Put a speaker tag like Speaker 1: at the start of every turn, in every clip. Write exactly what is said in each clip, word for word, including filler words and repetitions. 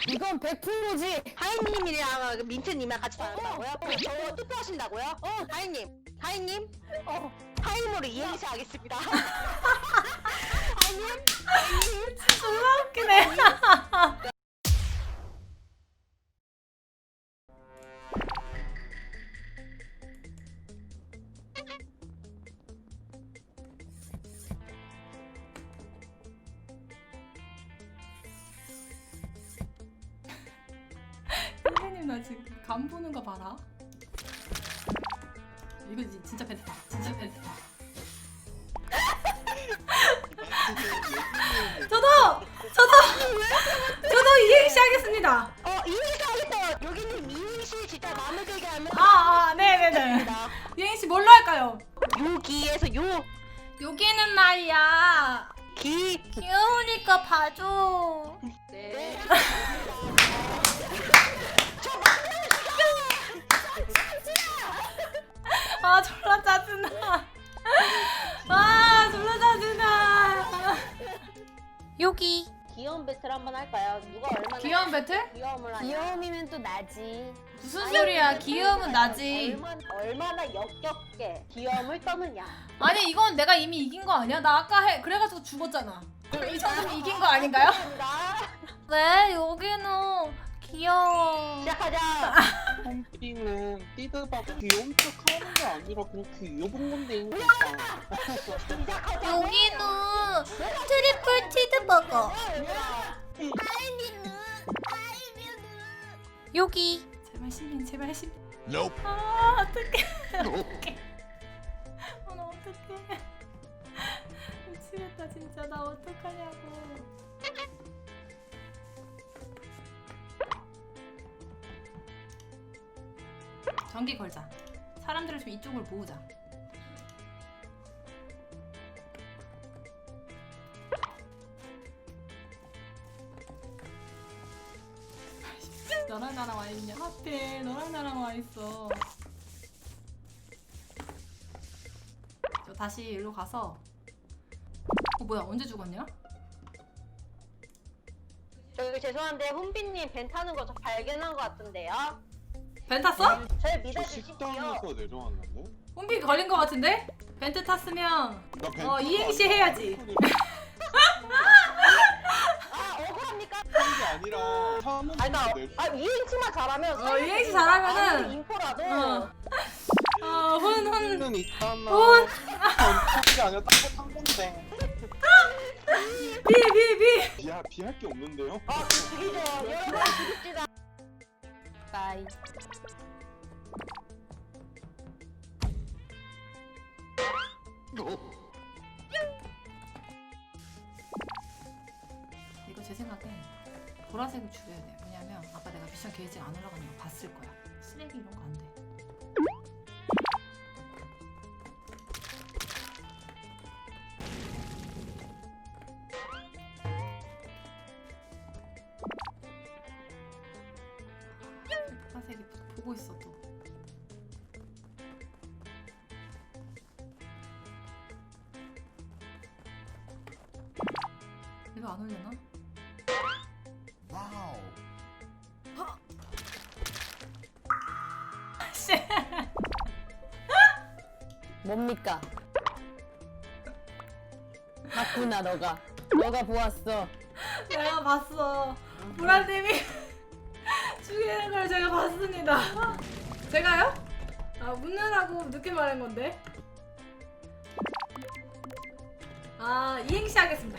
Speaker 1: 이건 백 퍼센트지.
Speaker 2: 하이님이랑 민트님이랑 같이 다녔다고요? 그럼 저 투표하신다고요? 어, 하이님, 하이님, 어, 하이님으로 이행시 하겠습니다. 하이님, 하이님,
Speaker 3: 졸라 웃기네. 선생님 나 지금 간 보는 거 봐라. 이거 지- 진짜 펜트다. 진짜 펜트다. 저도! 저도! 저도 이행시 하겠습니다.
Speaker 2: 어, 이행시 하겠다. 여기는 이행시 진짜 마음에 들게 하면
Speaker 3: 아, 아, 네네네.
Speaker 2: 됩니다.
Speaker 3: 이행시 뭘로 할까요?
Speaker 2: 요기에서 요,
Speaker 3: 여기는 말이야.
Speaker 2: 기,
Speaker 3: 귀여우니까 봐줘.
Speaker 2: 네.
Speaker 3: 아, 졸라 짜증나. 아, 졸라 짜증나. 여기.
Speaker 2: 귀여운 배틀 한번 할까요? 누가 얼마나
Speaker 3: 귀여운 배틀?
Speaker 2: 귀여움을 하냐?
Speaker 1: 귀여움이면 또 나지.
Speaker 3: 무슨 소리야? 귀여움은 나지.
Speaker 2: 얼마나, 얼마나 역겹게 귀여움을 떠느냐.
Speaker 3: 아니, 이건 내가 이미 이긴 거 아니야? 나 아까 해 그래가지고 죽었잖아. 그럼 이 정도면 이긴 거 아닌가요? 네, 여기는 귀여워.
Speaker 2: 시작하자.
Speaker 4: 홈피는 띠드박 귀여운 척 하는 게 아니라 그냥 귀여운 건데 인기가.
Speaker 2: 시작하자.
Speaker 3: 여기는 트리플 치즈버거. 여기. 제발 시민, 제발 시민.
Speaker 4: Nope.
Speaker 3: 아, 어떡해. 어떡해. 아, 나 어떡해. 미치겠다, 진짜. 나 어떡하냐고. 전기 걸자. 사람들을 좀 이쪽을 모으자. 너랑 나랑 와 있냐? 하필 너랑 나랑 와 있어. 저 다시 일로 가서. 어 뭐야 언제 죽었냐?
Speaker 2: 저기 죄송한데 훈비님 벤 타는 거 저 발견한 것 같은데요.
Speaker 3: 벤 탔어?
Speaker 2: 저를
Speaker 4: 저
Speaker 2: 믿어주십시오.
Speaker 4: 식당에서 내려왔는데?
Speaker 3: 홈비 걸린 거 같은데? 벤트 탔으면
Speaker 4: 나 벤트
Speaker 3: 어, 이행시 해야지.
Speaker 2: 아 억울합니까?
Speaker 4: 한게 아니라 사는
Speaker 2: 아니 나
Speaker 4: 내려.
Speaker 2: 아, 이행시만 잘하면
Speaker 3: 어, 이행시 잘하면은-
Speaker 2: 아무리 인포라도
Speaker 3: 어. 어, 훈, 훈.
Speaker 4: 는 있잖아.
Speaker 3: 혼.
Speaker 4: 전투기 아니라 딴거탄 건데.
Speaker 3: 비, 비, 비.
Speaker 4: 비하 비할 게 없는데요?
Speaker 2: 아 죽이죠. 여러분 죽입시다.
Speaker 1: 빠이.
Speaker 3: 이거 제 생각엔 보라색을 줄여야 돼. 왜냐면 아까 내가 미션 게이지 안 올라가는 거 봤을 거야. 쓰레기 이런 거 안 돼. 보라색이 보고 있어 또. 이거 안 올려나?
Speaker 4: 와우.
Speaker 3: 씨.
Speaker 1: 뭡니까? 봤구나 너가. 너가 보았어.
Speaker 3: 내가 봤어. 보라님이 죽이는 걸 제가 봤습니다. 제가요? 아 묻느라고 늦게 말한 건데. 아 이행시 하겠습니다.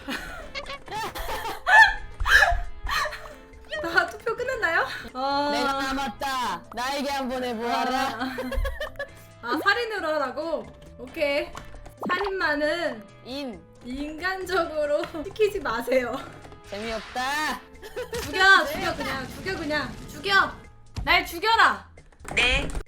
Speaker 3: 다 투표 끝났나요? 어...
Speaker 1: 내가 남았다. 나에게 한번 해보아라.
Speaker 3: 아, 아 살인으로 하라고? 오케이. 살인마는
Speaker 1: 인.
Speaker 3: 인간적으로 시키지 마세요.
Speaker 1: 재미없다.
Speaker 3: 죽여, 죽여 그냥, 죽여 그냥, 죽여. 날 죽여라.
Speaker 2: 네.